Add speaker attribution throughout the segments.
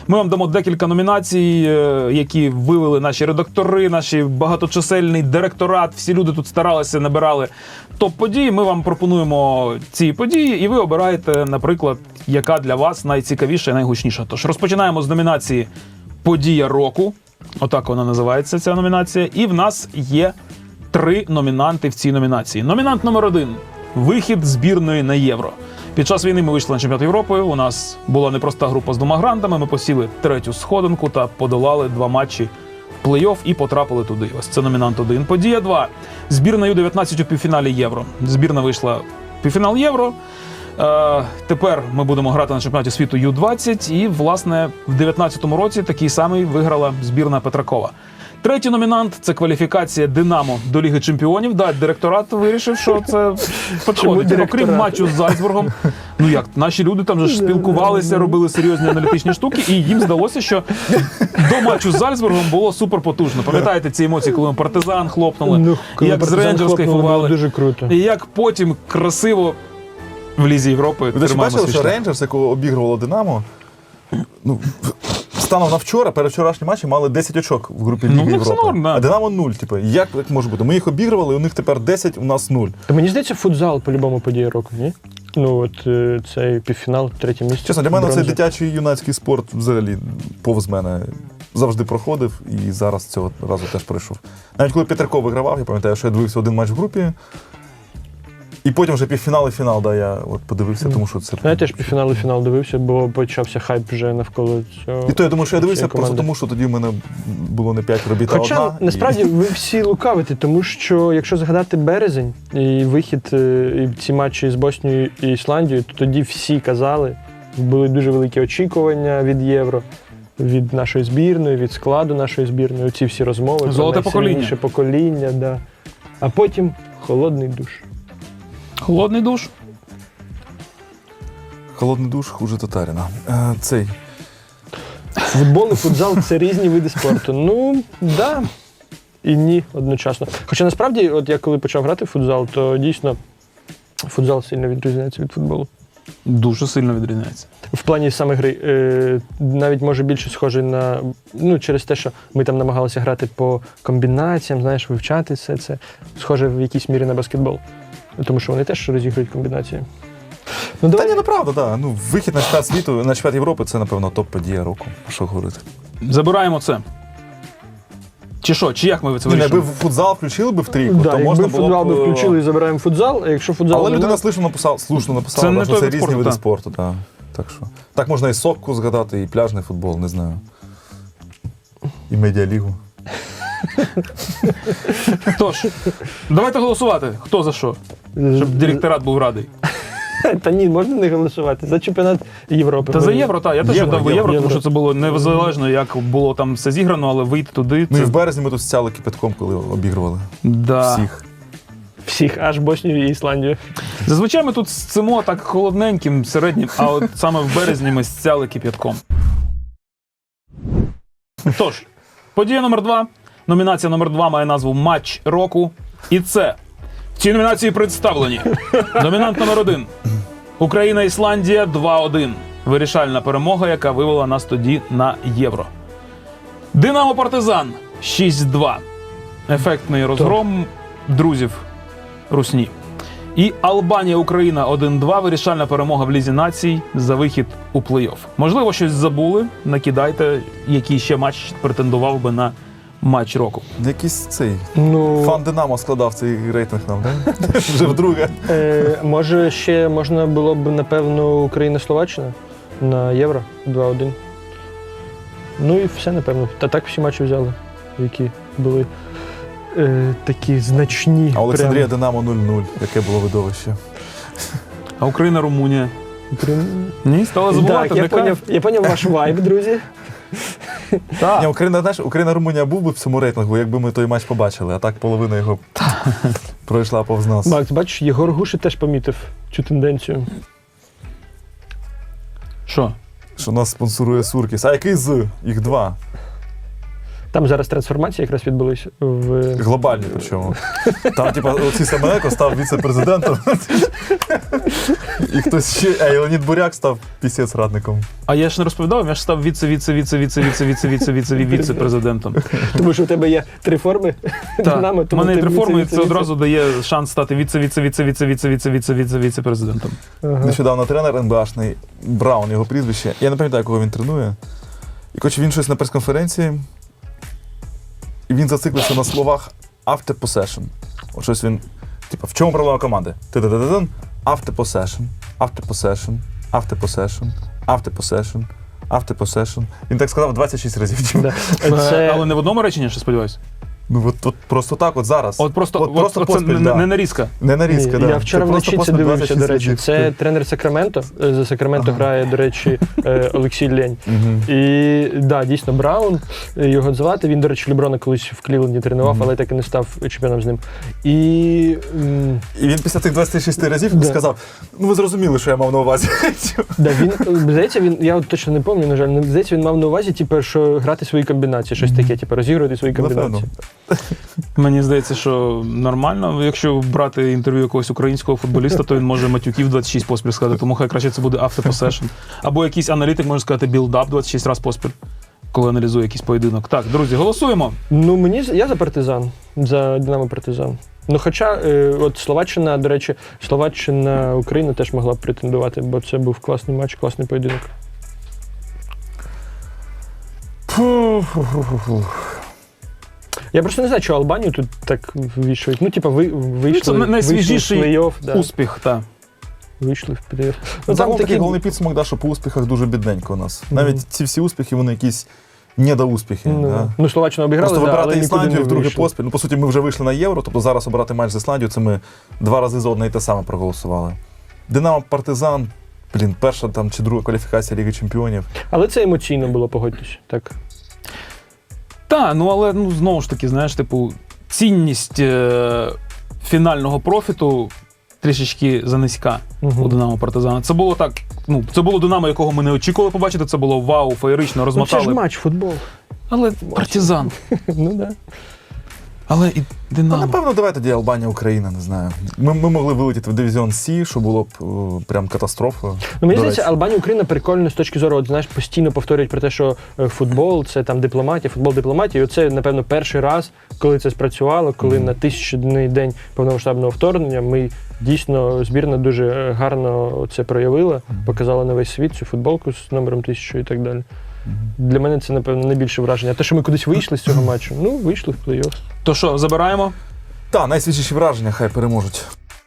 Speaker 1: Ми вам дамо декілька номінацій, які вивели наші редактори, наші багаточисельний директорат. Всі люди тут старалися, набирали топ-події. Ми вам пропонуємо ці події, і ви обираєте, наприклад, яка для вас найцікавіша і найгучніша. Тож розпочинаємо з номінації «Подія року». Отак вона називається, ця номінація. І в нас є 3 номінанти в цій номінації. Номінант номер 1 – вихід збірної на Євро. Під час війни ми вийшли на чемпіонат Європи, у нас була непроста група з 2 грандами, ми посіли 3-ю сходинку та подолали 2 матчі в плей-офф і потрапили туди. Ось це номінант 1. Подія 2. Збірна Ю-19 у півфіналі Євро. Збірна вийшла в півфінал Євро. Тепер ми будемо грати на чемпіонаті світу Ю-20 і, власне, в 19-му році такий самий виграла збірна Петракова. 3-й номінант – це кваліфікація «Динамо» до Ліги Чемпіонів. Да, директорат вирішив, що це підходить. Окрім матчу з Зальцбургом, ну як, наші люди там же ж спілкувалися, робили серйозні аналітичні штуки, і їм здалося, що до матчу з Зальцбургом було суперпотужно. Пам'ятаєте ці емоції, коли ми «Партизан» хлопнули, як з «Рейнджерс» кайфували,
Speaker 2: дуже круто.
Speaker 1: І як потім красиво в Лізі Європи
Speaker 3: Ви
Speaker 1: тримаємо
Speaker 3: бачили,
Speaker 1: свій
Speaker 3: що
Speaker 1: шлях.
Speaker 3: Рейнджерс, якого обігрувало Динамо, ну, станом на вчора, передвчорашні матчі мали 10 очок в групі Ліги Європи.
Speaker 1: Це норм, да.
Speaker 3: А Динамо 0. Типу, як може бути? Ми їх обігрували, у них тепер 10, у нас 0.
Speaker 2: Та мені здається, футзал по-любому подія року, ні? Ну от цей півфінал, 3-те місце.
Speaker 3: Чесно, для мене
Speaker 2: бронза.
Speaker 3: цей дитячий юнацький спорт взагалі повз мене завжди проходив і зараз цього разу теж пройшов. Навіть коли Петраков вигравав, я пам'ятаю, що я дивився один матч в групі, і потім вже півфінал і фінал, да, я от подивився, тому що це...
Speaker 2: Я теж півфінал і фінал дивився, бо почався хайп вже навколо цього.
Speaker 3: І то я думаю, що я дивився
Speaker 2: цієї
Speaker 3: просто
Speaker 2: команди.
Speaker 3: тому, що тоді в мене було не 5 робіт, а
Speaker 2: Хоча,
Speaker 3: одна.
Speaker 2: насправді, ви всі лукавите, тому що, якщо згадати березень і вихід і ці матчі з Боснією і Ісландією, то тоді всі казали, були дуже великі очікування від Євро, від нашої збірної, від складу нашої збірної, оці всі розмови.
Speaker 1: Золоте
Speaker 2: про найсильніше покоління, да. А потім холодний душ.
Speaker 1: Холодний душ.
Speaker 3: Холодний душ хуже татарина. Цей.
Speaker 2: Футбол і футзал – це різні види спорту. Ну, да. І ні одночасно. Хоча насправді, от я коли почав грати в футзал, то дійсно футзал сильно відрізняється від футболу.
Speaker 1: Дуже сильно відрізняється.
Speaker 2: В плані саме гри. Навіть може більше схожий на, ну, через те, що ми там намагалися грати по комбінаціям, знаєш, вивчати все це. Схоже в якійсь мірі на баскетбол. Тому що вони теж розігрують комбінації. Ну,
Speaker 3: Та ні, ну правда, да. Ну, вихід на чемпіонат світу, на чемпіонат Європи – це, напевно, топ-подія року. Що говорити?
Speaker 1: Забираємо це. Чи що? Чи як ми це
Speaker 3: Ні,
Speaker 1: вирішимо?
Speaker 3: якби футзал включили би в трійку,
Speaker 2: да,
Speaker 3: то
Speaker 2: якби
Speaker 3: можна було
Speaker 2: футзал
Speaker 3: б...
Speaker 2: би включили і забираємо футзал, а якщо футзал
Speaker 3: Але
Speaker 2: нема,
Speaker 3: людина слушно написала,
Speaker 1: Це не
Speaker 3: що
Speaker 1: той
Speaker 3: це
Speaker 1: вид
Speaker 3: різні
Speaker 1: спорту,
Speaker 3: види
Speaker 1: так.
Speaker 3: спорту. Да. Так що. Так можна і сокку згадати, і пляжний футбол, не знаю. І медіалігу.
Speaker 1: Тож, давайте голосувати. Хто за що? Щоб директорат був радий.
Speaker 2: Та ні, можна не голосувати. За чемпіонат Європи.
Speaker 1: Та за євро, так. Я теж
Speaker 3: Євро,
Speaker 1: дав євро,
Speaker 3: євро.
Speaker 1: тому що це було незалежно, як було там все зіграно, але вийти туди.
Speaker 3: Ну і
Speaker 1: Це...
Speaker 3: в березні ми тут стяли кипятком, коли обігрували
Speaker 1: Да.
Speaker 3: всіх.
Speaker 2: Всіх, аж Боснію і Ісландію.
Speaker 1: Зазвичай ми тут сцимо так холодненьким, середнім, а от саме в березні ми стяли кип'ятком. Тож, подія номер 2. Номінація номер 2 має назву «Матч року». І це в цій номінації представлені. Номінант номер 1. Україна-Ісландія 2-1. Вирішальна перемога, яка вивела нас тоді на Євро. Динамо-Партизан 6-2. Ефектний розгром друзів русні. І Албанія-Україна 1-2. Вирішальна перемога в Лізі націй за вихід у плей-офф. Можливо, щось забули. Накидайте, який ще матч претендував би на матч року.
Speaker 3: Якийсь цей
Speaker 2: Ну,
Speaker 3: фан Динамо складав цей рейтинг нам, так? Вже вдруге.
Speaker 2: може, ще можна було б, напевно, Україна-Словаччина на Євро 2-1. Ну і все, напевно. Та так всі матчі взяли, які були такі значні.
Speaker 3: А Олександрія
Speaker 2: прям.
Speaker 3: Динамо 0-0. Яке було видовище.
Speaker 1: А Україна-Румунія? Ні, стала забувати.
Speaker 2: Так, я поняв ваш вайб, друзі.
Speaker 3: Ні, Україна-Румунія був би в цьому рейтингу, якби ми той матч побачили, а так половина його пройшла повз нас.
Speaker 2: Макс, бачиш, Єгор Гуши теж помітив цю тенденцію.
Speaker 1: Що?
Speaker 3: Що нас спонсорує Суркіс. А який з? Їх 2.
Speaker 2: Там зараз трансформація якраз відбулись в...
Speaker 3: Глобальні причому. Там, типа, Олексій Семененко став віце-президентом. І хтось ще, і Леонід Буряк став пісець-радником.
Speaker 1: А я ж не розповідав, я ж став віце-президентом.
Speaker 2: Тому що у тебе є 3 форми Динамо,
Speaker 1: У
Speaker 2: тому
Speaker 1: мене є
Speaker 2: ти
Speaker 1: 3 форми, і це
Speaker 2: віце-віце-віце.
Speaker 1: одразу дає шанс стати віце-президентом.
Speaker 2: Ага.
Speaker 3: Нещодавно тренер НБАшний, Браун, його прізвище. Я не пам'ятаю, кого він тренує. І коротше, він щось на прес-конференції, і він зациклився на словах after possession. От щось він, типу, в чому проблема команди? Ти-ти-ти-ти-тин, after possession, after possession, after possession, after possession, after possession. Він так сказав 26 разів.
Speaker 2: Да. Це...
Speaker 1: Але не в одному реченні, що сподіваюся.
Speaker 3: Ну от просто так, от зараз.
Speaker 1: От просто це
Speaker 3: поспіль, да.
Speaker 1: не нарізка.
Speaker 3: Не нарізка,
Speaker 2: Ні,
Speaker 3: да.
Speaker 2: я вчора
Speaker 3: Це просто
Speaker 2: вночі це
Speaker 3: поспіль
Speaker 2: дивився,
Speaker 3: 26
Speaker 2: до речі.
Speaker 3: разів.
Speaker 2: Це тренер Сакраменто. За Сакраменто грає, до речі, Олексій Лень.
Speaker 3: Мгм.
Speaker 2: І да, дійсно, Браун, його звати. Він, до речі, Леброна колись в Клівленді тренував, але так і не став чемпіоном з ним. І
Speaker 3: І він після цих 26 разів
Speaker 2: Да.
Speaker 3: сказав: ну ви зрозуміли, що я мав на увазі.
Speaker 2: да, він, здається, я от точно не пам'ятаю, на жаль, але здається, він мав на увазі, типу, що грати свої комбінації, щось таке, типу, розігрувати свої комбінації.
Speaker 1: Мені здається, що нормально. Якщо брати інтерв'ю якогось українського футболіста, то він може матюків 26 поспіль сказати, тому хай краще це буде after possession. Або якийсь аналітик може сказати build-up 26 разів поспіль, коли аналізує якийсь поєдинок. Так, друзі, голосуємо.
Speaker 2: Ну, я за партизан, за Динамо партизан. Ну, хоча, от Словаччина, до речі, Україна теж могла б претендувати, бо це був класний матч, класний поєдинок. Я просто не знаю, що Албанію тут так ввішують. Ну, типа, вийшли,
Speaker 1: Це найсвіжіший
Speaker 2: вийшли в плей-офф, да.
Speaker 1: Успіх, так.
Speaker 2: Вийшли в плей-офф.
Speaker 3: Ну, там такий головний підсумок, да, що по успіхах дуже бідненько у нас. Навіть ці всі успіхи, вони якісь недоуспіхи. Да?
Speaker 2: Ну, Словаччину обіграли,
Speaker 3: Просто
Speaker 2: да, але
Speaker 3: вибирати
Speaker 2: нікуди
Speaker 3: Ісландію
Speaker 2: не
Speaker 3: вдруге
Speaker 2: вийшли.
Speaker 3: поспіль. Ну, по суті, ми вже вийшли на Євро, тобто зараз обирати матч з Ісландією, це ми 2 рази за одне і те саме проголосували. Динамо Партизан, перша там чи друга кваліфікація Ліги Чемпіонів.
Speaker 2: Але це емоційно було, погодьтесь. Так.
Speaker 1: Так, ну але знову ж таки, знаєш, типу, цінність фінального профіту трішечки занизька у Динамо Партизана. Це було так, це було Динамо, якого ми не очікували побачити, це було вау, феєрично,
Speaker 2: Ну,
Speaker 1: розмотали.
Speaker 2: це ж матч, футбол.
Speaker 1: Але Партизан.
Speaker 2: Ну, да.
Speaker 1: Але і
Speaker 3: Ну,
Speaker 1: Динамо.
Speaker 3: напевно, давай тоді Албанія, Україна, не знаю. Ми могли вилетіти в дивізіон Сі, що було б прям катастрофою.
Speaker 2: Ну, мені
Speaker 3: До
Speaker 2: здається,
Speaker 3: речі.
Speaker 2: Албанія, Україна прикольно з точки зору, от, знаєш, постійно повторюють про те, що футбол – це там дипломатія, футбол – дипломатія. І оце, напевно, перший раз, коли це спрацювало, коли на 1000-денний день повномасштабного вторгнення ми дійсно, збірна дуже гарно це проявила, показала на весь світ цю футболку з номером 1000 і так далі. Для мене це, напевно, найбільше враження. А те, що ми кудись вийшли з цього матчу, вийшли в плей-офф.
Speaker 1: То що, забираємо?
Speaker 3: Так, найсвіжіші враження, хай переможуть.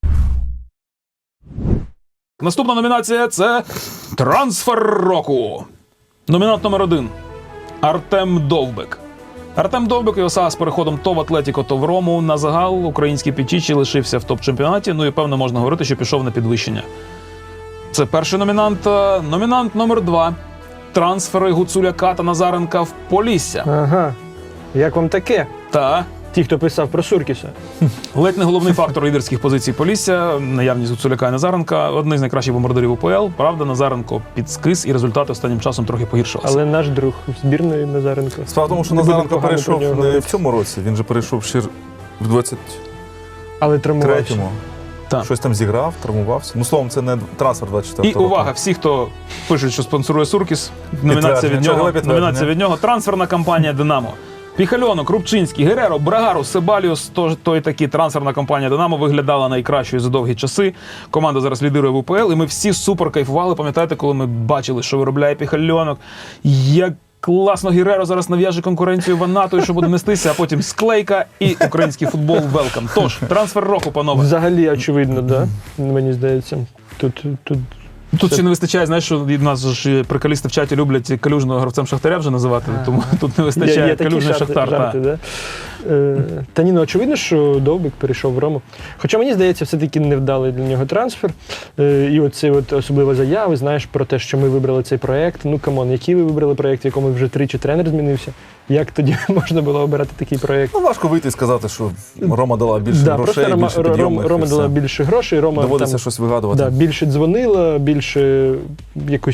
Speaker 1: Наступна номінація – це «Трансфер року». Номінант номер 1 – Артем Довбик. Артем Довбик і ОСА з переходом то в Атлетіко, то в Рому. На загал український Пічічі лишився в топ-чемпіонаті, ну і, певно, можна говорити, що пішов на підвищення. Це перший номінант. Номінант номер 2 – трансфери Гуцуляка та Назаренка в Полісся.
Speaker 2: Ага. Як вам таке?
Speaker 1: Та
Speaker 2: Ті, хто писав про Суркіса.
Speaker 1: ледь не головний фактор лідерських позицій Полісся, наявність Гуцуляка і Назаренка, одні з найкращих бомбардирів УПЛ. Правда, Назаренко підскис, і результати останнім часом трохи погіршилися.
Speaker 2: Але наш друг збірної Назаренко.
Speaker 3: Справа в тому, що
Speaker 2: Не будемо
Speaker 3: Назаренко
Speaker 2: погано
Speaker 3: перейшов
Speaker 2: про нього
Speaker 3: не
Speaker 2: говорити.
Speaker 3: в цьому році, він же перейшов ще в 23-му.
Speaker 2: Але травмувався.
Speaker 1: Так.
Speaker 3: Щось там зіграв, травмувався. Ну, словом, це не трансфер 24-го
Speaker 1: І увага, всі, хто пишуть, що спонсорує Суркіс, номінація від нього.
Speaker 3: Підтвердження.
Speaker 1: Номінація від нього. Трансферна кампанія «Динамо». Піхальонок, Рубчинський, Гереро, Брагару, Себаліус, той такі трансферна кампанія «Динамо» виглядала найкращою за довгі часи. Команда зараз лідирує в УПЛ, і ми всі супер кайфували. Пам'ятаєте, коли ми бачили, що виробляє Піхальонок, як класно Гереро зараз нав'яже конкуренцію Ванату, і що буде нестися, а потім склейка і український футбол велкам. Тож, трансфер року, панове.
Speaker 2: Взагалі, очевидно, да? Мені здається.
Speaker 1: Тут ще не вистачає, знаєш, що від нас ж приколісти в чаті люблять Калюжного гравцем Шахтаря вже називати, тому тут не вистачає
Speaker 2: Є такі
Speaker 1: Калюжний Шахтар.
Speaker 2: жарти, да? Та ні, очевидно, що Довбик перейшов в Рому. Хоча, мені здається, все-таки невдалий для нього трансфер. І оці особливо заяви, знаєш, про те, що ми вибрали цей проєкт. Ну, камон, який ви вибрали проєкт, в якому вже 3 тренер змінився? Як тоді можна було обирати такий проєкт?
Speaker 3: Ну, важко вийти і сказати, що Рома дала більше
Speaker 2: Да,
Speaker 3: грошей,
Speaker 2: просто
Speaker 3: більше підйомних.
Speaker 2: Рома
Speaker 3: і
Speaker 2: дала
Speaker 3: все.
Speaker 2: більше грошей, Рома
Speaker 3: Доводиться
Speaker 2: там,
Speaker 3: щось вигадувати.
Speaker 2: більше дзвонила, більше якось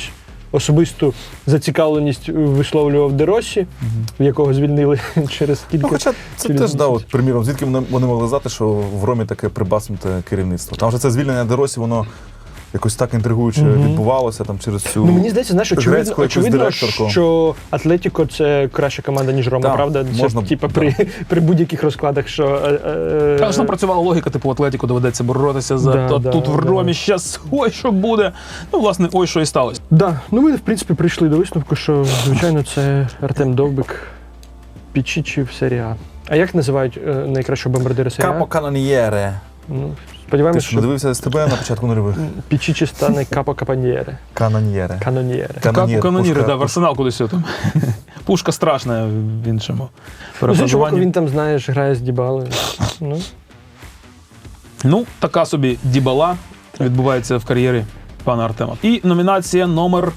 Speaker 2: особисту зацікавленість висловлював Де Росі, якого звільнили через кілька...
Speaker 3: Ну, хоча це
Speaker 2: через
Speaker 3: теж, да,
Speaker 2: місяць.
Speaker 3: от, приміром, звідки вони могли знати, що в Ромі таке прибаснуте керівництво. Там же це звільнення Де Росі, воно якось так інтригуюче відбувалося там через цю
Speaker 2: Ну, мені здається, знаєш,
Speaker 3: грецьку якусь
Speaker 2: очевидно,
Speaker 3: директорку.
Speaker 2: що Атлетіко – це краща команда, ніж Рома,
Speaker 3: Так,
Speaker 2: правда? Це,
Speaker 3: можна,
Speaker 2: типа,
Speaker 3: так.
Speaker 2: при будь-яких розкладах, що...
Speaker 1: Та ж там працювала логіка, типу Атлетіку доведеться боротися за
Speaker 2: Да, да,
Speaker 1: тут в
Speaker 2: да.
Speaker 1: Ромі щас ой, що буде. Ну, власне, ой, що і сталося.
Speaker 2: Да, ну ми, в принципі, прийшли до висновку, що, звичайно, це Артем Довбик, Пічічі в серії А. А як називають найкращого бомбардира серії А?
Speaker 3: Капо Каноньєре.
Speaker 2: Ну,
Speaker 3: Ти
Speaker 2: сподіваємось,
Speaker 3: що, не
Speaker 2: що
Speaker 3: дивився СТБ на початку нульових?
Speaker 2: Пічічі стане Капо Капаньєре.
Speaker 3: Каноньєре.
Speaker 2: Каноньєре.
Speaker 1: Каноніри,
Speaker 3: пушка.
Speaker 1: да, в Арсенал кудись там. Пушка страшна в іншому
Speaker 2: Ну, з іншого боку,
Speaker 1: перефразуванні.
Speaker 2: він там, знаєш, грає з Дібалою. Ну,
Speaker 1: Ну, така собі дібала відбувається в кар'єрі пана Артема. І номінація номер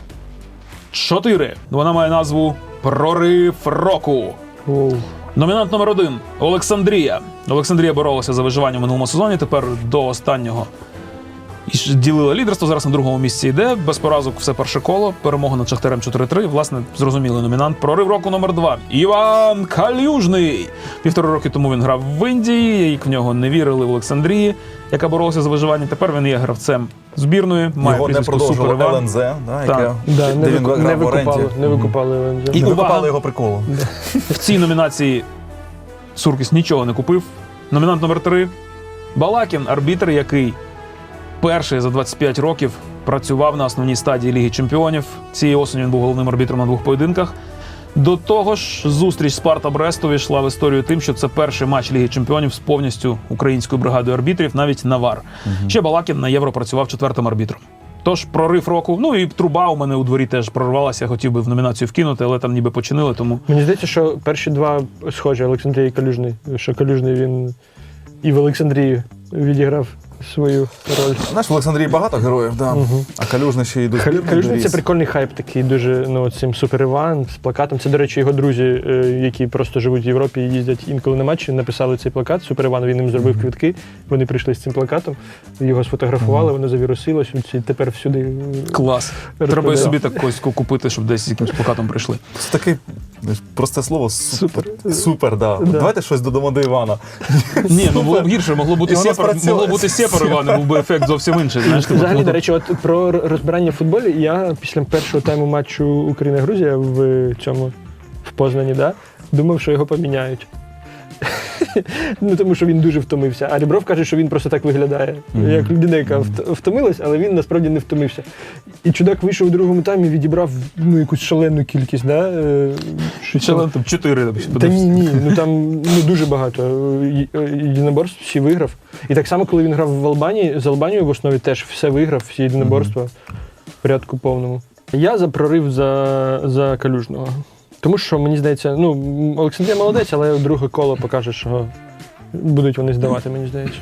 Speaker 1: 4. Вона має назву «Прорив року».
Speaker 2: воу.
Speaker 1: Номінант номер 1 – Олександрія. Олександрія боролася за виживання в минулому сезоні, тепер до останнього і ділила лідерство, зараз на другому місці йде, без поразок все перше коло, перемога над Шахтарем 4-3, власне, зрозумілий номінант. Прорив року номер 2 – Іван Калюжний. 1,5 роки тому він грав в Індії, як в нього не вірили в Олександрії, яка боролася за виживання, тепер він є гравцем збірної, має
Speaker 3: Його не
Speaker 1: прізвисько
Speaker 3: продовжувало
Speaker 1: Супер Іван.
Speaker 3: ЛНЗ, да,
Speaker 1: Так.
Speaker 3: яке,
Speaker 2: Да,
Speaker 3: де він грав в оренді.
Speaker 2: не викупали ЛНЗ.
Speaker 1: І
Speaker 3: Не
Speaker 1: увага!
Speaker 3: викупали його приколу.
Speaker 1: В цій номінації Суркіс нічого не купив. Номінант номер 3 – Балакін, арбітр, який перший за 25 років працював на основній стадії Ліги Чемпіонів. Цієї осені він був головним арбітром на 2 поєдинках. До того ж, зустріч Спарта-Брест увійшла в історію тим, що це перший матч Ліги Чемпіонів з повністю українською бригадою арбітрів, навіть на ВАР. Ще Балакін на Євро працював 4-м арбітром. Тож прорив року. Ну і труба у мене у дворі теж прорвалася, я хотів би в номінацію вкинути, але там ніби починили, тому...
Speaker 2: Мені здається, що перші два схожі, Олександрія і Калюжний. Що Калюжний він і в Олександрії відіграв свою роль.
Speaker 3: Знаєш, в Олександрії багато героїв, да. А Калюжний ще й до збірної
Speaker 2: Калюжний це
Speaker 3: доріс.
Speaker 2: прикольний хайп такий, дуже, ну, цим Супер Іван з плакатом. Це, до речі, його друзі, які просто живуть в Європі і їздять інколи на матчі, написали цей плакат. Супер Іван, він їм зробив квитки, вони прийшли з цим плакатом, його сфотографували, воно завірусилось, і тепер всюди.
Speaker 1: Клас. Треба і
Speaker 2: розповідає.
Speaker 1: собі так когось купити, щоб десь з якимось плакатом прийшли.
Speaker 3: Це таке знаєш, просте слово супер.
Speaker 2: Супер.
Speaker 3: Супер, да.
Speaker 2: Да.
Speaker 3: Давайте щось додамо до Івана.
Speaker 1: Ні, ну було б гірше, могло бути
Speaker 3: І воно
Speaker 1: сепар,
Speaker 3: спрацює.
Speaker 1: могло бути сепар, Іване, був би ефект зовсім інший. Знаєш, типу,
Speaker 2: Взагалі,
Speaker 1: ну,
Speaker 2: до речі, от про розбирання в футболі, я після першого тайму матчу Україна-Грузія в цьому в Познані, да, думав, що його поміняють. Ну, тому що він дуже втомився. А Рібров каже, що він просто так виглядає, як людина, яка втомилась, але він насправді не втомився. І чудак вийшов у другому таймі, відібрав ну, якусь шалену кількість, да? Щось
Speaker 1: ще
Speaker 2: там.
Speaker 1: там 4.
Speaker 2: Та ні, ну там ну, дуже багато єдиноборств, всі виграв. І так само, коли він грав в Албанії, з Албанією в основі теж все виграв, всі єдиноборства в порядку повному. Я за прорив за Калюжного. Тому що, мені здається, ну, Олександрія молодець, але друге коло покаже, що будуть вони здавати, мені здається.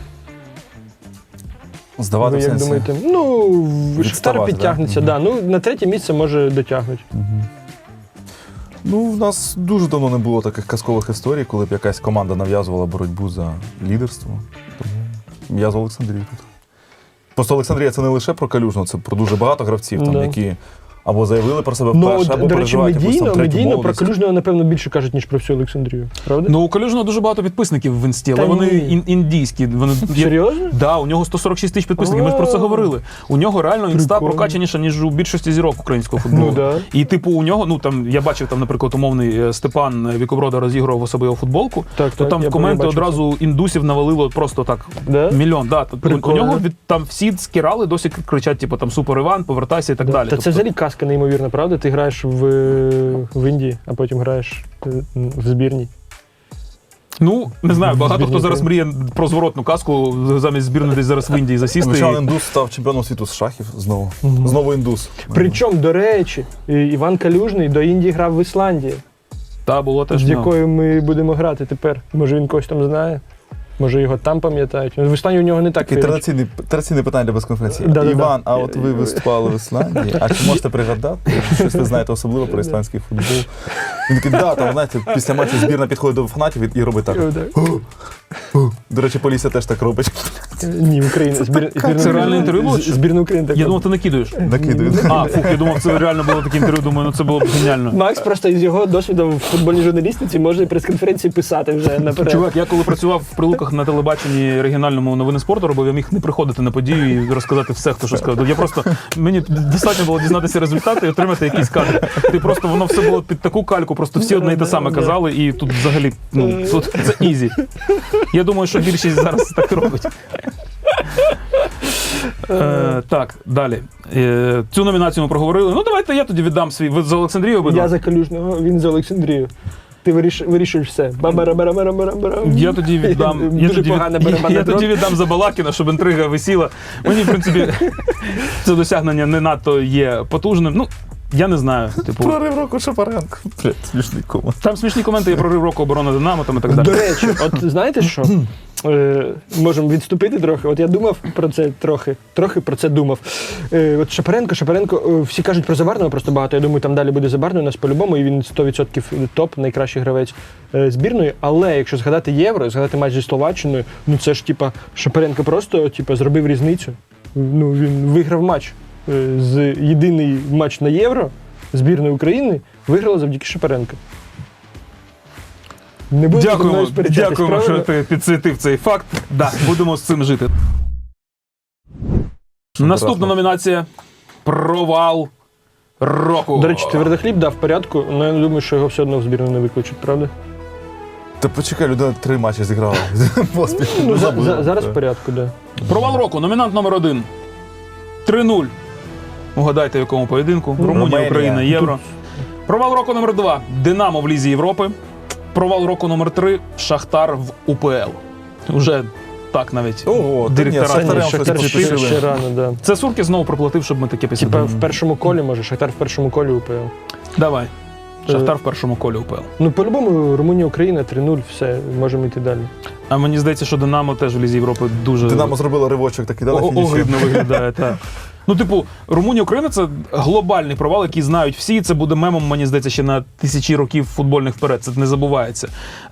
Speaker 3: Здавати
Speaker 2: Ви
Speaker 3: в
Speaker 2: як
Speaker 3: сенсі.
Speaker 2: думаєте? Ну, Шахтар
Speaker 3: Відставати,
Speaker 2: підтягнеться,
Speaker 3: да?
Speaker 2: да. Ну, на третє місце, може, дотягнуть.
Speaker 3: Ну, в нас дуже давно не було таких казкових історій, коли б якась команда нав'язувала боротьбу за лідерство. Тому я за Олександрію тут. Просто Олександрія це не лише про Калюжного, це про дуже багато гравців, там,
Speaker 2: Да.
Speaker 3: які або заявили про себе
Speaker 2: Ну,
Speaker 3: вперше, або
Speaker 2: до речі,
Speaker 3: переживають якусь там третю
Speaker 2: медійно про
Speaker 3: молодість.
Speaker 2: Калюжного, напевно, більше кажуть, ніж про всю Олександрію. Правда?
Speaker 1: Ну, у Калюжного дуже багато підписників в інсті, але
Speaker 2: Та
Speaker 1: вони
Speaker 2: ні.
Speaker 1: індійські. Вони,
Speaker 2: Серйозно?
Speaker 1: Да, у нього 146 тисяч підписників, ми ж про це
Speaker 2: О.
Speaker 1: говорили. У нього реально інста
Speaker 2: Прикольно.
Speaker 1: прокачаніша, ніж у більшості зірок українського футболу.
Speaker 2: Ну, да.
Speaker 1: І типу у нього, ну там, я бачив там, наприклад, умовний Степан Вікоброда розігрував у себе його футболку,
Speaker 2: Так,
Speaker 1: то
Speaker 2: так,
Speaker 1: там
Speaker 2: я
Speaker 1: в коменти
Speaker 2: бачив
Speaker 1: одразу індусів навалило просто так
Speaker 2: Да?
Speaker 1: мільйон. Да. У
Speaker 2: Прикольно.
Speaker 1: нього там всі скірали, досі кричать, типу там Супер Іван, повертайся і так далі.
Speaker 2: Та це взагалі казка неймовірна, правда? Ти граєш в Індії, а потім граєш в збірній.
Speaker 1: Ну, не знаю, багато
Speaker 2: Збірні
Speaker 1: хто зараз мріє про зворотну казку, замість збірної десь зараз в Індії засісти.
Speaker 3: Нещодавно індус став чемпіоном світу з шахів знову. Знову індус.
Speaker 2: Причому, до речі, Іван Калюжний до Індії грав в Ісландії,
Speaker 1: Та було теж.
Speaker 2: з
Speaker 1: ну.
Speaker 2: якою ми будемо грати тепер. Може він когось там знає, може його там пам'ятають. В Ісландії у нього не так
Speaker 3: Таке
Speaker 2: вірять.
Speaker 3: традиційне питання для безконференції.
Speaker 2: Да-да-да.
Speaker 3: Іван, а от ви виступали в Ісландії, а чи можете пригадати, щось ви знаєте особливо про ісландський футбол? Він такий, да, там, знаєте, після матчу збірна підходить до фанатів і робить так.
Speaker 2: Так.
Speaker 3: До речі, Полісся теж так робить.
Speaker 2: Ні, Україна.
Speaker 1: Це реальне інтерв'ю було, чи?
Speaker 2: Збірна України.
Speaker 1: Я думав, ти накидуєш.
Speaker 3: Накидую.
Speaker 1: А, фух, я думав, це реально було таке інтерв'ю, думаю, ну це було б геніально.
Speaker 2: Макс просто із його досвідом в футбольній журналістиці може прес-конференції писати вже наперед.
Speaker 1: Чувак, я коли працював в Прилуках на телебаченні регіональному новини спорту робив, я міг не приходити на подію і розказати все, хто що сказав. Я просто, мені достатньо було дізнатися результати і отримати якийсь кадр. Ти просто, воно все було під таку кальку, просто всі одне і те саме казали, і тут взагалі, ну, тут це ізі. Я думаю, що більшість зараз так робить. Так, далі. Цю номінацію ми проговорили. Ну, давайте я тоді віддам свій. Ви з Олександрією обидва?
Speaker 2: Я за Калюжного, він за Олександрію. Ти вирішуєш все. Бабара-бара-бара-бара-бара.
Speaker 1: Я тоді віддам.
Speaker 2: Дуже погана барабанна
Speaker 1: Я тоді
Speaker 2: дробь.
Speaker 1: віддам за Балакіна, щоб інтрига висіла. Мені, в принципі, це досягнення не надто є потужним. Ну, я не знаю. Типу,
Speaker 3: Прорив року Шапаренко. Блядь, смішний комент.
Speaker 1: там смішні коменти, є прорив року оборони Динамо там і так далі.
Speaker 2: До речі, от знаєте що? Можемо відступити трохи. От я думав про це трохи про це думав. От Шапаренко, всі кажуть про Забарного просто багато. Я думаю, там далі буде Забарний у нас по-любому, і він 100% топ, найкращий гравець збірної. Але якщо згадати Євро, згадати матч зі Словаччиною, ну це ж типа Шапаренко просто зробив різницю. Ну він виграв матч. Єдиний матч на Євро збірної України виграла завдяки Шапаренко. Не будемо зі мною сперечатись,
Speaker 1: Дякуємо, що
Speaker 2: правильно?
Speaker 1: ти підсвітив цей факт. Да, будемо з цим жити. Наступна номінація «Провал року».
Speaker 2: До речі, Твердохліб дав порядку, але я думаю, що його все одно в збірну не виключать, правда?
Speaker 3: Та почекай, людина 3 матчі зіграла. Поспіль.
Speaker 2: Ну,
Speaker 3: Забула.
Speaker 2: зараз в
Speaker 3: Так.
Speaker 2: порядку, так. Да.
Speaker 1: Провал року. Номінант номер 1. 3-0. Угадайте, в якому поєдинку. Румунія,
Speaker 3: Румунія.
Speaker 1: Україна, Євро. Провал року номер 2. Динамо в Лізі Європи. Провал року номер 3. Шахтар в УПЛ. Уже так навіть.
Speaker 3: Ого, та ні,
Speaker 1: Директора
Speaker 3: Шахтарем щось
Speaker 2: Шахтар
Speaker 3: поспішили.
Speaker 2: ще рано, да.
Speaker 1: Це Сурки знову проплатив, щоб ми таке
Speaker 2: Типа
Speaker 1: писали.
Speaker 2: в першому колі, може, Шахтар в першому колі УПЛ.
Speaker 1: Давай. Шахтар в першому колі УПЛ.
Speaker 2: Ну, по-любому, Румунія, Україна, 3-0, все, можемо йти далі.
Speaker 1: А мені здається, що Динамо теж в Лізі Європи дуже
Speaker 3: Динамо зробило ривочок, так і дали фініші.
Speaker 1: огидно виглядає. Так. Ну, типу, Румунія, Україна це глобальний провал, який знають всі. Це буде мемом, мені здається, ще на тисячі років футбольних вперед. Це не забувається.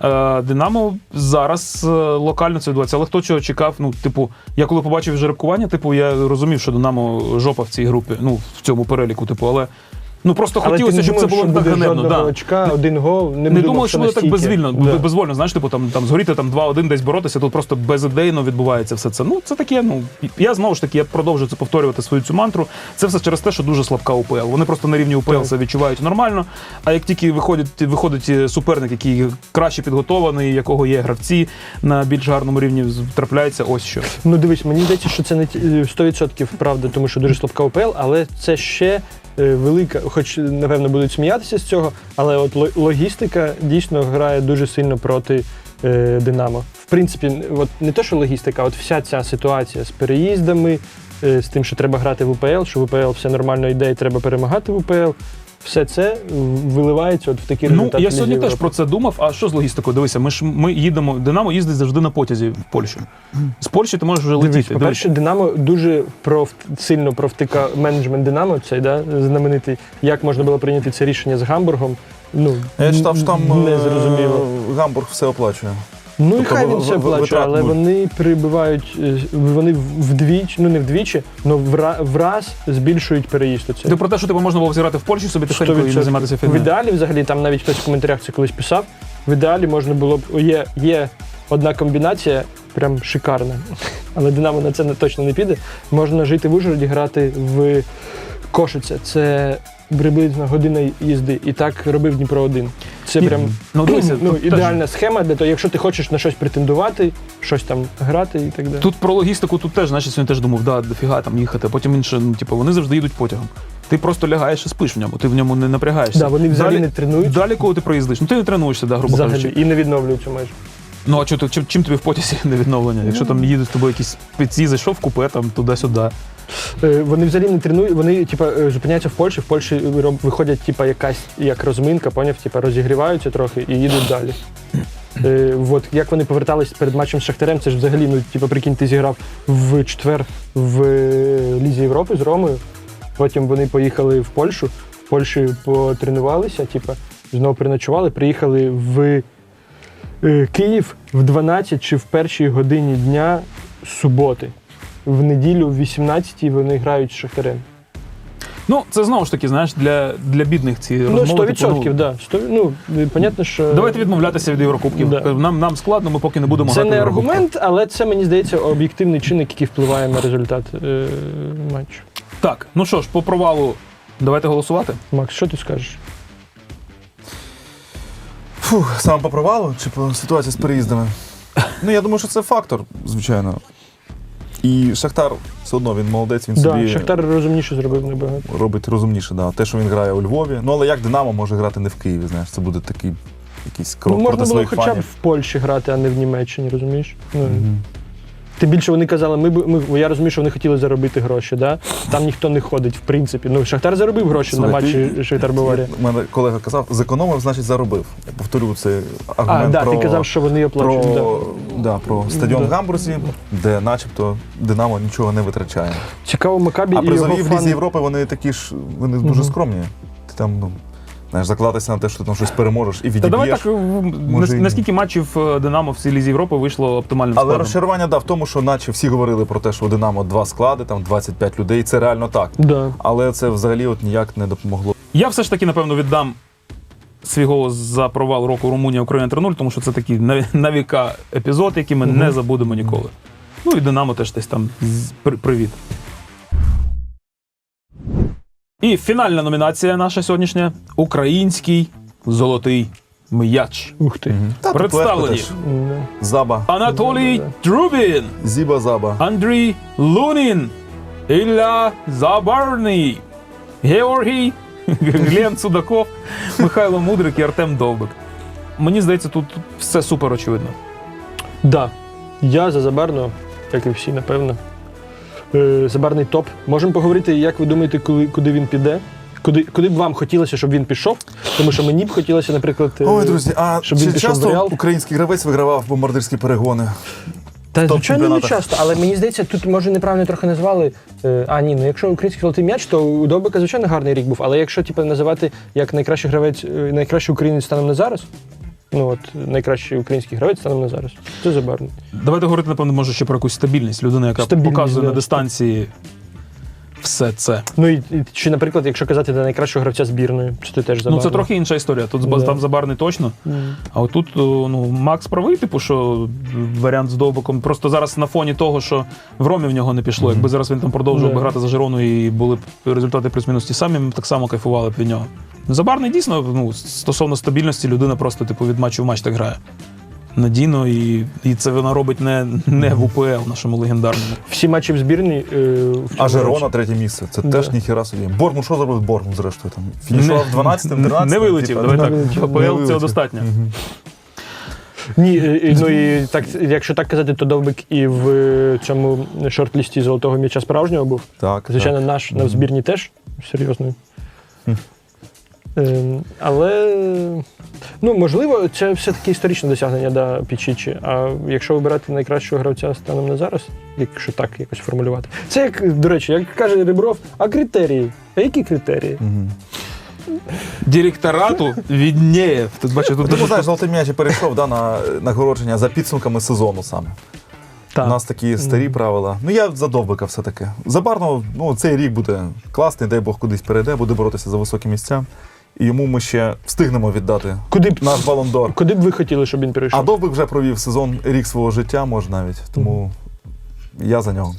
Speaker 1: Динамо зараз локально це відбувається. Але хто чого чекав? Ну, типу, я коли побачив жеребкування, типу, я розумів, що Динамо жопа в цій групі, ну, в цьому переліку, типу, але. Ну просто
Speaker 2: Але
Speaker 1: хотілося,
Speaker 2: ти не
Speaker 1: щоб це
Speaker 2: думав,
Speaker 1: було
Speaker 2: що
Speaker 1: так
Speaker 2: буде
Speaker 1: ганебно.
Speaker 2: жодного
Speaker 1: Да.
Speaker 2: очка, один гол,
Speaker 1: Не думав, що буде так
Speaker 2: настільки. Да.
Speaker 1: безвольно, знаєш, типу там згоріти там 2-1 десь боротися, тут просто безідейно відбувається все це. Ну, це таке, ну, я знову ж таки, я продовжую це повторювати свою цю мантру. Це все через те, що дуже слабка УПЛ. Вони просто на рівні УПЛ
Speaker 2: Так.
Speaker 1: це відчувають нормально, а як тільки виходить суперник, який краще підготований, якого є гравці на більш гарному рівні, трапляється ось що.
Speaker 2: Ну дивись, мені здається, що це не 100% правда, тому що дуже слабка УПЛ, але це ще велика, хоч, напевно, будуть сміятися з цього, але от логістика дійсно грає дуже сильно проти Динамо. В принципі, от не те, що логістика, а от вся ця ситуація з переїздами, з тим, що треба грати в УПЛ, що в упл все нормально йде і треба перемагати в УПЛ. Все це виливається от в такі результати.
Speaker 1: Ну, я сьогодні
Speaker 2: Ліги
Speaker 1: теж
Speaker 2: Європи.
Speaker 1: про це думав. А що з логістикою? Дивися, ми їдемо. Динамо їздить завжди на потязі в Польщу. З Польщі ти можеш вже
Speaker 2: Дивись,
Speaker 1: летіти.
Speaker 2: по-перше, Динамо дуже сильно провтика менеджмент Динамо, цей, да, знаменитий, як можна було прийняти це рішення з Гамбургом. Ну,
Speaker 3: Я читав, що там
Speaker 2: не зрозуміло.
Speaker 3: Гамбург все оплачує.
Speaker 2: Ну і
Speaker 3: тобто
Speaker 2: хай він все плаче,
Speaker 3: витрат
Speaker 2: але
Speaker 3: нуль.
Speaker 2: вони прибувають, вони вдвічі, ну не вдвічі, але враз збільшують переїзд. Оцей.
Speaker 1: Ти про те, що тебе можна було взирати в Польщі, собі тихенько і не
Speaker 2: 100%.
Speaker 1: займатися
Speaker 2: В
Speaker 1: фігнею.
Speaker 2: ідеалі, взагалі, там навіть хтось в коментарях це колись писав, в ідеалі можна було б, є одна комбінація, прям шикарна, але Динамо на це точно не піде. Можна жити в Ужгороді, грати в Кошице. Це приблизно година їзди. І так робив Дніпро-1. Це
Speaker 1: І-
Speaker 2: прям
Speaker 1: ну, дивися,
Speaker 2: ну,
Speaker 1: тут теж-
Speaker 2: ідеальна схема для того, якщо ти хочеш на щось претендувати, щось там грати і так далі.
Speaker 1: Тут про логістику тут теж, значить, сьогодні теж думав, да, дофіга там їхати, а потім інше, ну, типу, вони завжди їдуть потягом. Ти просто лягаєш і спиш в ньому, ти в ньому не напрягаєшся.
Speaker 2: Да, вони взагалі
Speaker 1: Далі-
Speaker 2: не тренують.
Speaker 1: Далі, коли ти проїздиш, ну ти не тренуєшся, да, грубо
Speaker 2: Взагалі,
Speaker 1: кажучи.
Speaker 2: і не відновлюються майже.
Speaker 1: Ну а чим тобі в потязі не відновлення? Якщо там їдуть з тобою якісь спеці, зайшов в купе, там туди-сюди.
Speaker 2: Вони взагалі не тренують, вони зупиняються в Польщі виходять якась як розминка, поняв, розігріваються трохи і їдуть далі. От як вони повертались перед матчем з Шахтарем, це ж взагалі, прикинь, ти зіграв в четвер в Лізі Європи з Ромою, потім вони поїхали в Польщу, в Польщі потренувалися, знову переночували, приїхали в Київ в 12 чи в першій годині дня суботи. В неділю в 18-й вони грають з Шахтарем.
Speaker 1: Ну, це знову ж таки, знаєш, для бідних ці
Speaker 2: Ну,
Speaker 1: розмови.
Speaker 2: 100%,
Speaker 1: типу,
Speaker 2: да. Понятно, що...
Speaker 1: Давайте відмовлятися від Єврокубків.
Speaker 2: Да.
Speaker 1: Нам складно, ми поки не будемо
Speaker 2: Це
Speaker 1: грати в
Speaker 2: не
Speaker 1: Єврокубках.
Speaker 2: аргумент, але це, мені здається, об'єктивний чинник, який впливає на результат матчу.
Speaker 1: Так, ну що ж, по провалу давайте голосувати.
Speaker 2: Макс, що ти скажеш?
Speaker 3: Фух, саме по провалу чи по ситуації з переїздами? Ну, я думаю, що це фактор, звичайно. І Шахтар все одно він молодець, він
Speaker 2: Да,
Speaker 3: собі
Speaker 2: Шахтар розумніше зробив набагато.
Speaker 3: робить розумніше. Да. Те, що він грає у Львові. Ну, але як Динамо може грати не в Києві, знаєш, це буде такий якийсь крок
Speaker 2: Ну, можна
Speaker 3: проти
Speaker 2: було
Speaker 3: своїх
Speaker 2: хоча б
Speaker 3: фанів.
Speaker 2: в Польщі грати, а не в Німеччині, розумієш? Ну, Тим більше вони казали, я розумію, що вони хотіли заробити гроші, да? Там ніхто не ходить, в принципі. Ну, Шахтар заробив гроші на матчі Шахтар-Баварія.
Speaker 3: У мене колега казав, зекономив, значить заробив. Я повторю цей аргумент
Speaker 2: Да,
Speaker 3: про,
Speaker 2: ти казав, що вони оплачують. Да.
Speaker 3: про стадіон
Speaker 2: Да.
Speaker 3: в Гамбурзі, де начебто Динамо нічого не витрачає.
Speaker 2: Цікаво, Макабі
Speaker 3: А
Speaker 2: і його
Speaker 3: призові в Лізі
Speaker 2: фани.
Speaker 3: Європи вони такі ж, вони дуже скромні. Ти там, знаєш, закладатися на те, що ти там щось переможеш і
Speaker 1: Та давай
Speaker 3: відіб'єш.
Speaker 1: так,
Speaker 3: Може, і ні.
Speaker 1: наскільки матчів Динамо в цій Лізі Європи вийшло оптимальним
Speaker 3: Але
Speaker 1: складом?
Speaker 3: розчарування, в тому, що наче всі говорили про те, що у Динамо 2 склади, там 25 людей, це реально так.
Speaker 2: Да.
Speaker 3: Але це взагалі от ніяк не допомогло.
Speaker 1: Я все ж таки, напевно, віддам свій голос за провал року Румунія Україна 3-0, тому що це такий на віка епізод, який ми не забудемо ніколи. Ну і Динамо теж десь там привіт. І фінальна номінація наша сьогоднішня – український золотий м'яч.
Speaker 2: Ух ти.
Speaker 3: Та, тут
Speaker 1: Представлені.
Speaker 3: легко теж.
Speaker 2: Да.
Speaker 3: Заба,
Speaker 1: Анатолій Трубін,
Speaker 3: Зіба Заба.
Speaker 1: Андрій Лунін, Ілля Забарний, Георгій, Глен Судаков, Михайло Мудрик і Артем Довбик. Мені здається, тут все супер очевидно.
Speaker 2: Да. Я за Забарного, як і всі, напевно. Забарний топ. Можемо поговорити, як ви думаєте, куди він піде? Куди б вам хотілося, щоб він пішов? Тому що мені б хотілося, наприклад,
Speaker 3: Ой, друзі, а
Speaker 2: щоб він
Speaker 3: чи
Speaker 2: пішов в
Speaker 3: часто
Speaker 2: Реал.
Speaker 3: український гравець вигравав бомбардирські перегони?
Speaker 2: Та, звичайно, не
Speaker 3: топ-чемпіонатах.
Speaker 2: часто, але мені здається, тут, може, неправильно трохи назвали. Ну якщо український золотий м'яч, то у Довбика, звичайно, гарний рік був. Але якщо називати як найкращий гравець, найкращий українець станом на зараз, найкращий український гравець станом на зараз, це Забарний.
Speaker 1: Давайте говорити, напевно, може ще про якусь стабільність. Людина, яка
Speaker 2: Стабільність,
Speaker 1: показує
Speaker 2: да.
Speaker 1: на дистанції все це.
Speaker 2: Чи, наприклад, якщо казати за найкращого гравця збірної, це теж Забарний.
Speaker 1: Ну, це трохи інша історія. Тут
Speaker 2: Да.
Speaker 1: там Забарний точно. А отут Макс правий, типу, що варіант з Довбиком. Просто зараз на фоні того, що в Ромі в нього не пішло. Якби зараз він там продовжував би
Speaker 2: Да.
Speaker 1: грати за Жирону і були б результати плюс-мінус ті самі, ми б так само кайфували б від нього. Забарний дійсно, стосовно стабільності, людина просто типу від матчу в матч так грає. Надійно, і це вона робить не в УПЛ нашому легендарному.
Speaker 2: Всі матчі в збірній.
Speaker 3: А Жирона третє місце. Це теж ніхіра собі. Бормут, що зробив Бормут, зрештою? Там фінішував 12-м, 13-м?
Speaker 1: Не вилетів, давай так.
Speaker 2: не
Speaker 1: АПЛ
Speaker 3: вилетів.
Speaker 1: цього достатньо.
Speaker 2: Ні, і так, якщо так казати, то Довбик і в цьому шорт-лісті золотого м'яча справжнього був.
Speaker 3: Так.
Speaker 2: Звичайно, наш на збірні теж серйозний. Але, можливо, це все-таки історичне досягнення да, Пічічі. А якщо вибирати найкращого гравця станом на зараз, якщо так якось формулювати. Це як, до речі, як каже Ребров, а критерії? А які критерії?
Speaker 1: Директорату відніє. Тут бачу, тут
Speaker 3: Тому, знаєш, золотий м'яч перейшов на нагородження за підсумками сезону саме.
Speaker 2: Так.
Speaker 3: У нас такі старі правила. Я за Довбика все-таки. Забарно, цей рік буде класний, дай Бог кудись перейде, буде боротися за високі місця. І йому ми ще встигнемо віддати наш Балон-д'Ор.
Speaker 2: Куди б ви хотіли, щоб він перейшов?
Speaker 3: А Довбик вже провів сезон, рік свого життя, може навіть. Тому я за нього.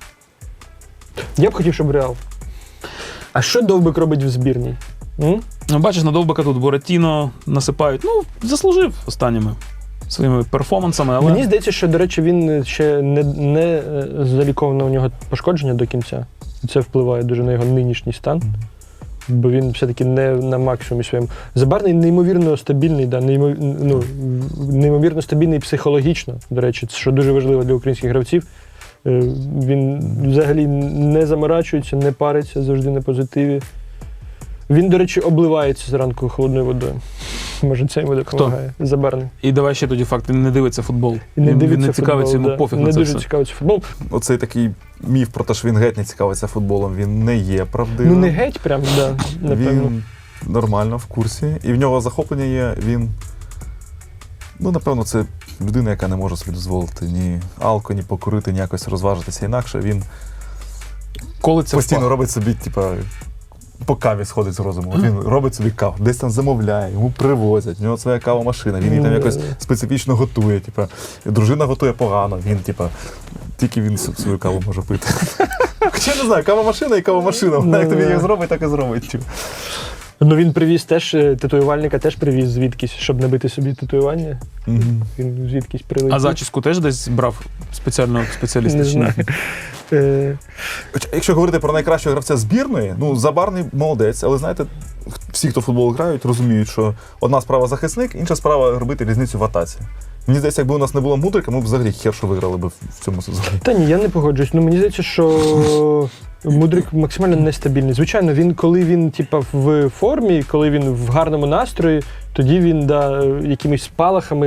Speaker 2: Я б хотів, щоб Реал. А що Довбик робить в збірній?
Speaker 1: Бачиш, на Довбика тут Буратіно насипають. Заслужив останніми своїми перформансами, але...
Speaker 2: Мені здається, що, до речі, він ще не заліковано у нього пошкодження до кінця. Це впливає дуже на його нинішній стан. Бо він все-таки не на максимумі своєму. Забарний неймовірно стабільний, неймовірно стабільний психологічно, до речі, що дуже важливо для українських гравців. Він взагалі не заморачується, не париться, завжди на позитиві. Він, до речі, обливається зранку холодною водою. Може, це йому допомагає. Забарний.
Speaker 1: І давай ще тоді факт, він не дивиться футбол.
Speaker 2: Не
Speaker 1: Він не цікавиться, йому пофіг на це
Speaker 2: дуже
Speaker 1: все.
Speaker 2: цікавиться футбол.
Speaker 3: Оцей такий міф про те, що він геть не цікавиться футболом, він не є правдивим.
Speaker 2: Не геть прям, напевно.
Speaker 3: Він нормально в курсі. І в нього захоплення є, він, напевно, це людина, яка не може собі дозволити ні алко, ні покурити, ні якось розважитися інакше. Він
Speaker 1: Коли це
Speaker 3: постійно робить собі, по каві сходить з розуму. От він робить собі каву, десь там замовляє, йому привозять, у нього своя кавомашина, він її там якось специфічно готує. Дружина готує погано, він, тільки він свою каву може пити. Хоча не знаю, кавомашина і кавомашина. Вона як тобі її зробить, так і зробить.
Speaker 2: Ну він привіз теж, татуювальника теж привіз звідкись, щоб набити собі татуювання. Він звідкись прилетів.
Speaker 1: А зачіску теж десь брав спеціально спеціаліст?
Speaker 2: Не
Speaker 1: чи ні?
Speaker 2: знаю.
Speaker 3: Якщо говорити про найкращого гравця збірної, Забарний молодець, але знаєте, всі, хто в футбол грають, розуміють, що одна справа захисник, інша справа робити різницю в атаці. Мені здається, якби у нас не було Мудрика, ми б взагалі хершу виграли б в цьому сезоні.
Speaker 2: Та ні, я не погоджуюсь. Ну мені здається, що Мудрик максимально нестабільний. Звичайно, коли він в формі, коли він в гарному настрої, тоді він якимись спалахами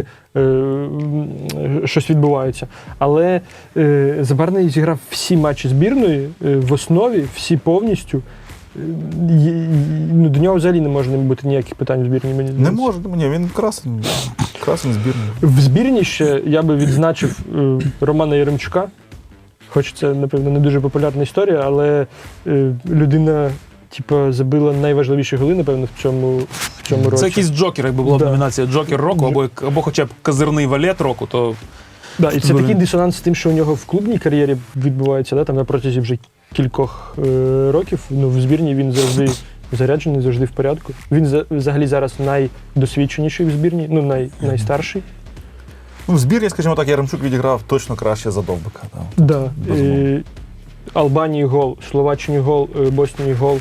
Speaker 2: щось відбувається. Але Забарний зіграв всі матчі збірної в основі, всі повністю. До нього взагалі не може бути ніяких питань в збірні. Мені
Speaker 3: Не може, він красний збірний.
Speaker 2: В збірні ще я би відзначив Романа Яремчука. Хоч це, напевно, не дуже популярна історія, але людина забила найважливіші голи, напевно, в цьому році.
Speaker 1: Це якийсь джокер, якби була б
Speaker 2: Да.
Speaker 1: номінація Джокер року, або хоча б козирний валет року, то
Speaker 2: Да, і це такий дисонанс з тим, що у нього в клубній кар'єрі відбувається, там на протязі вже кількох років. В збірні він завжди заряджений, завжди в порядку. Він взагалі зараз найдосвідченіший в збірні, найстарший.
Speaker 3: В збірні, скажімо так, Яремчук відіграв точно краще за Довбика.
Speaker 2: Да.
Speaker 3: Безумовно.
Speaker 2: Албанії гол, Словаччині гол, Боснії гол.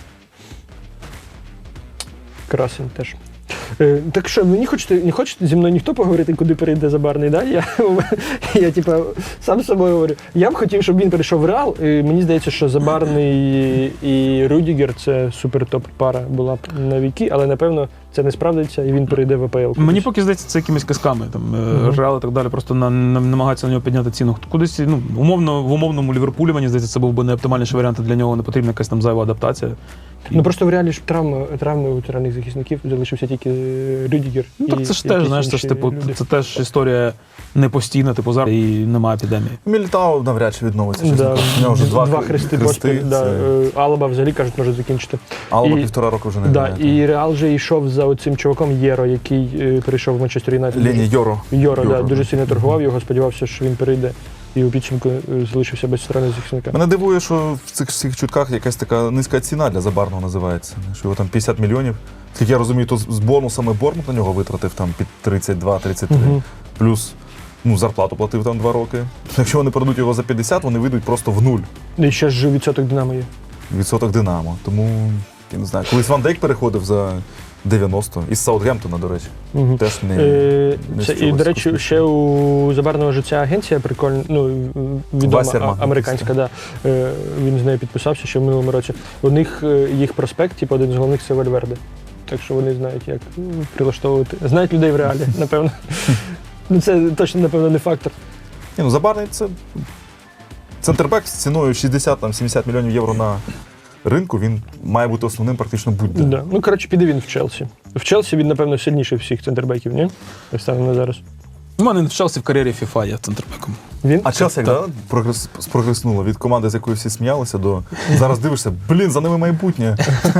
Speaker 2: Красень теж. Так що, не хочете зі мною ніхто поговорити, куди перейде Забарний? Да? Я сам з собою говорю. Я б хотів, щоб він перейшов в Реал. Мені здається, що Забарний і Рюдігер – це супер-топ пара була б на віки, але, напевно, це не справдиться, і він перейде в АПЛ.
Speaker 1: мені поки здається, це якимись казками. Реал і так далі, просто намагаються на нього підняти ціну. Кудись, в умовному Ліверпулі, мені здається, це був би найоптимальніший варіант, для нього не потрібна якась там зайва адаптація.
Speaker 2: Просто в Реалі ж травми у тиральних захисників, залишився тільки Рюдігер.
Speaker 1: Так це ж теж, знаєш, це теж історія не постійна, зараз і немає епідемії.
Speaker 3: Мілітао навряд чи відновиться.
Speaker 2: Да.
Speaker 3: У нього вже два
Speaker 2: хрести
Speaker 3: хрести.
Speaker 2: поспіль. Алаба взагалі, кажуть, може закінчити.
Speaker 3: Алаба
Speaker 2: І-
Speaker 3: 1,5 року вже не
Speaker 2: Да,
Speaker 3: грає.
Speaker 2: і Реал вже йшов за оцим чуваком Єро, який перейшов в Манчестер Юнайтед.
Speaker 3: Лені Йоро.
Speaker 2: Йоро, да, дуже сильно торгував його, сподівався, що він перейде. І у підсумку залишився без центрального захисника.
Speaker 3: Мене дивує, що в цих всіх чутках якась така низька ціна для Забарного називається. Що його там 50 мільйонів. Як я розумію, то з бонусами Бормут на нього витратив там під 32-33. Плюс зарплату платив там 2 роки. Якщо вони продадуть його за 50, вони вийдуть просто в нуль.
Speaker 2: І ще ж відсоток Динамо є.
Speaker 3: Відсоток Динамо. Тому, я не знаю, колись Ван Дейк переходив за 90. Із Саутгемптона, до речі. Теж не з
Speaker 2: І,
Speaker 3: чогось
Speaker 2: до речі,
Speaker 3: космічного.
Speaker 2: ще у Забарного ж ця агенція прикольна, відома,
Speaker 3: Вассерман.
Speaker 2: американська, да. Він з нею підписався ще в минулому році. У них їх проспект, один з головних це Вальверде. Так що вони знають, як прилаштовувати. Знають людей в Реалі, напевно. Це точно, напевно, не фактор.
Speaker 3: Забарний це центрбек з ціною 60-70 мільйонів євро на ринку. Він має бути основним практично будь-де.
Speaker 2: Да. Піде він в Челсі. В Челсі він, напевно, сильніший всіх центрбеків, ні? Станом на зараз.
Speaker 1: У мене в Челсі в кар'єрі FIFA є центрбеком.
Speaker 2: Він?
Speaker 3: А Челсі як спрогреснуло від команди, з якою всі сміялися, до зараз дивишся, за ними майбутнє.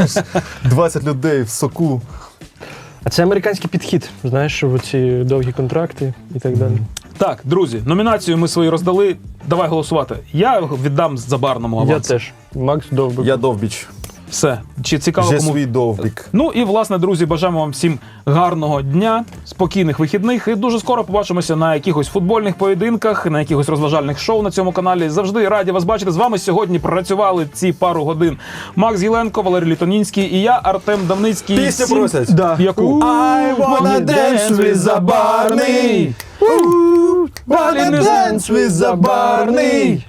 Speaker 3: 20 людей в соку.
Speaker 2: А це американський підхід, знаєш, в ці довгі контракти і так далі.
Speaker 1: Так, друзі, номінацію ми свої роздали. Давай голосувати. Я віддам Забарному аванс.
Speaker 2: Я теж. Макс Довбик.
Speaker 3: Я Довбіч.
Speaker 1: Все. Чи цікаво
Speaker 3: Же
Speaker 1: кому?
Speaker 3: свій Довбік.
Speaker 1: Ну і, власне, друзі, бажаємо вам всім гарного дня, спокійних вихідних. І дуже скоро побачимося на якихось футбольних поєдинках, на якихось розважальних шоу на цьому каналі. Завжди раді вас бачити. З вами сьогодні працювали ці пару годин Макс Гіленко, Валерій Літонінський і я, Артем Давницький.
Speaker 3: Пісню
Speaker 1: Всім-
Speaker 3: просять.
Speaker 2: Да.
Speaker 1: Яку?
Speaker 3: I wanna dance with Забарний.
Speaker 1: Wanna dance with
Speaker 3: Забарний.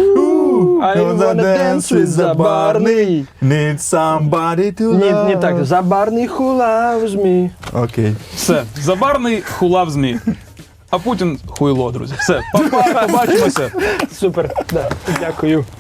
Speaker 2: I wanna dance with Забарний.
Speaker 3: Need somebody to
Speaker 2: Ні,
Speaker 3: love.
Speaker 2: не так. Забарний who loves me.
Speaker 3: Окей.
Speaker 1: Все. Забарний хулав ЗМІ. А Путін хуйло, друзі. Все. Па-па, побачимося.
Speaker 2: Супер. Да. Дякую.